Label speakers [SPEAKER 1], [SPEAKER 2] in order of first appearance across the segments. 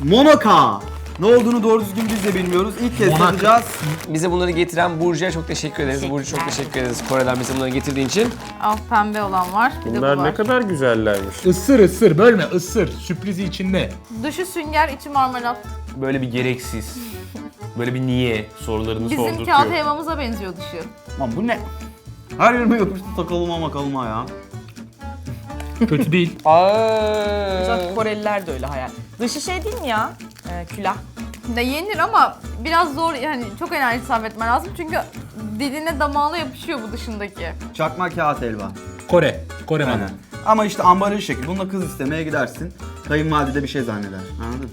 [SPEAKER 1] Monoka. Ne olduğunu doğru düzgün biz de bilmiyoruz. İlk kez tadacağız.
[SPEAKER 2] Bize bunları getiren Burcu'ya çok teşekkür ederiz. Burcu çok teşekkür ederiz Kore'den bize bunları getirdiğin için.
[SPEAKER 3] Al pembe olan var. Bir de bu
[SPEAKER 4] Bunlar
[SPEAKER 3] var.
[SPEAKER 4] ne kadar güzellermiş.
[SPEAKER 5] Isır bölme ısır. Sürprizi içinde.
[SPEAKER 3] Dışı sünger, içi marmelat.
[SPEAKER 4] Böyle bir gereksiz. Böyle bir niye sorularını
[SPEAKER 3] Bizim
[SPEAKER 4] sordurtuyor.
[SPEAKER 3] kağıt helvamıza benziyor dışı.
[SPEAKER 1] Lan bu ne? Her yerime yapıştı takılıma makalıma ya.
[SPEAKER 5] Kötü değil.
[SPEAKER 6] Zaten Koreliler de öyle hayal. Dışı şey değil mi ya? Külah.
[SPEAKER 3] De yenir ama biraz zor, yani çok enerji sarf etmen lazım çünkü diline damağına yapışıyor bu dışındaki.
[SPEAKER 1] Çakma kağıt helva.
[SPEAKER 5] Kore malı.
[SPEAKER 1] Aynen. Ama işte ambalaj şekil. Bununla kız istemeye gidersin. Kayınvalide de bir şey zanneder. Anladın?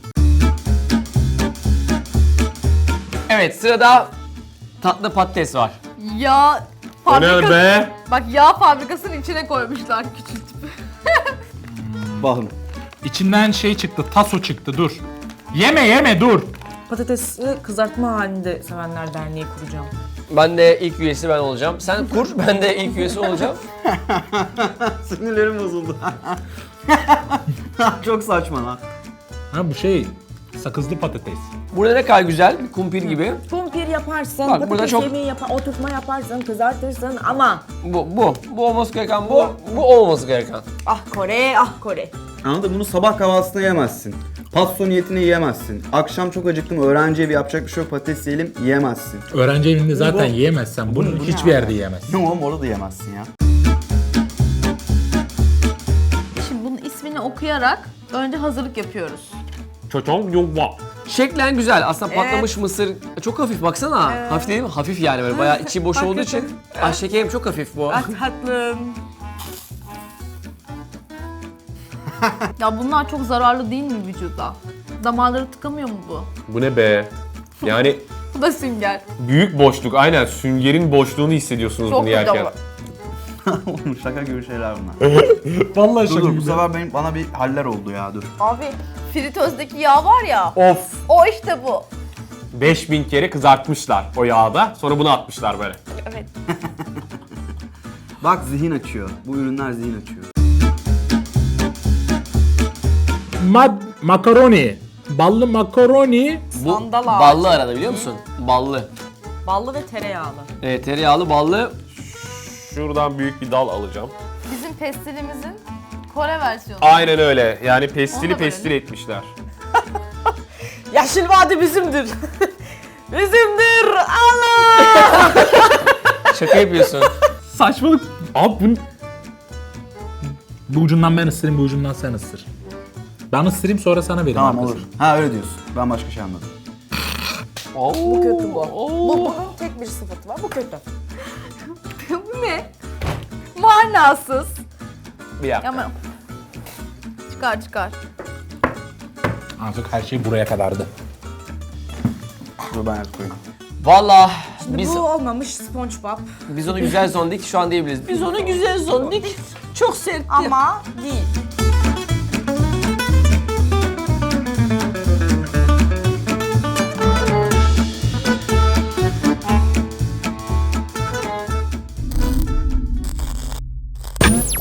[SPEAKER 2] Evet, sırada tatlı patates var.
[SPEAKER 3] Yağ
[SPEAKER 4] O ne
[SPEAKER 3] fabrikası.
[SPEAKER 4] be?
[SPEAKER 3] Bak yağ fabrikasının içine koymuşlar küçültüp.
[SPEAKER 1] Bakın.
[SPEAKER 5] İçinden şey çıktı, taso çıktı dur. Yeme dur.
[SPEAKER 6] Patatesi kızartma halinde sevenler derneği kuracağım.
[SPEAKER 2] Ben de ilk üyesi ben olacağım. Sen kur, ben de ilk üyesi olacağım.
[SPEAKER 1] Sinirlerim bozuldu. Çok saçma lan.
[SPEAKER 5] Ha bu şey sakızlı patates.
[SPEAKER 2] Burada ne kadar güzel, bir kumpir gibi.
[SPEAKER 6] Kumpir yaparsın,
[SPEAKER 2] Bak, burada
[SPEAKER 6] patates
[SPEAKER 2] çok-
[SPEAKER 6] yemeği oturtma yaparsın, kızartırsın ama
[SPEAKER 2] Bu olması gereken bu olması gereken.
[SPEAKER 6] ah Kore, ah Kore.
[SPEAKER 1] Anladın? Bunu sabah kahvaltısında yemezsin. Pasto niyetine yiyemezsin. Akşam çok acıktım, öğrenci evi yapacak bir şey yok, patates yiyelim, yiyemezsin.
[SPEAKER 5] Öğrenci evinde zaten yiyemezsen bunu
[SPEAKER 1] bu ne
[SPEAKER 5] hiçbir
[SPEAKER 1] abi?
[SPEAKER 5] yerde yiyemezsin.
[SPEAKER 1] Ne oğlum, orada da yiyemezsin ya.
[SPEAKER 3] Şimdi bunun ismini okuyarak önce hazırlık yapıyoruz.
[SPEAKER 4] Çoçong yongwa.
[SPEAKER 2] Şeklen güzel. Aslında patlamış mısır çok hafif baksana. Hafif değil mi? Hafif yani böyle bayağı içi boş olduğu için. Ah şekerim çok hafif bu.
[SPEAKER 6] Ah tatlım.
[SPEAKER 3] Ya bunlar çok zararlı değil mi vücuda? Damarları tıkamıyor mu bu?
[SPEAKER 4] Bu ne be? Yani
[SPEAKER 3] Bu da sünger.
[SPEAKER 4] büyük boşluk. Aynen süngerin boşluğunu hissediyorsunuz
[SPEAKER 3] Çok
[SPEAKER 4] bunu yerken.
[SPEAKER 3] kötü ama.
[SPEAKER 1] Oğlum şaka gibi şeyler bunlar.
[SPEAKER 5] Vallahi
[SPEAKER 1] Dur bu sefer bana bir haller oldu ya, dur.
[SPEAKER 3] Abi fritözdeki yağ var ya,
[SPEAKER 4] Of!
[SPEAKER 3] o işte bu.
[SPEAKER 4] 5000 kere kızartmışlar o yağda. Sonra bunu atmışlar böyle.
[SPEAKER 3] Evet.
[SPEAKER 1] Bak zihin açıyor. Bu ürünler zihin açıyor.
[SPEAKER 5] Makaroni. Ballı makaroni.
[SPEAKER 2] Bu
[SPEAKER 6] Sandal ağacı.
[SPEAKER 2] ballı arada biliyor musun? Ballı.
[SPEAKER 6] Ballı ve tereyağlı.
[SPEAKER 2] Evet, tereyağlı ballı.
[SPEAKER 4] Şuradan büyük bir dal alacağım.
[SPEAKER 3] Bizim pestilimizin Kore versiyonu.
[SPEAKER 4] Aynen öyle. Yani
[SPEAKER 3] Onu
[SPEAKER 4] pestili
[SPEAKER 3] da
[SPEAKER 4] pestil
[SPEAKER 3] verelim.
[SPEAKER 4] etmişler.
[SPEAKER 6] Yeşil Vadi bizimdir. Bizimdir. Allah!
[SPEAKER 2] Şaka yapıyorsun.
[SPEAKER 5] Saçmalık. Abi bu ucundan ben ısırayım, bu ucundan sen ısır. Ben ısırayım sonra sana vereyim.
[SPEAKER 1] Tamam
[SPEAKER 5] arkasını.
[SPEAKER 1] olur. Ha öyle diyorsun. Ben başka şey anladım.
[SPEAKER 6] Bu kötü bu. Bunun tek bir sıfatı var. Bu kötü.
[SPEAKER 3] Bu ne? Manasız.
[SPEAKER 4] Bir dakika.
[SPEAKER 3] Ama çıkar.
[SPEAKER 5] Artık her şey buraya kadardı.
[SPEAKER 1] Dur ben yak koyayım.
[SPEAKER 2] Valla
[SPEAKER 6] Şimdi
[SPEAKER 2] biz
[SPEAKER 6] bu olmamış SpongeBob
[SPEAKER 2] onu güzel zondik şu an diyebiliriz. Biz onu güzel zondik. Çok sertti.
[SPEAKER 6] ama değil.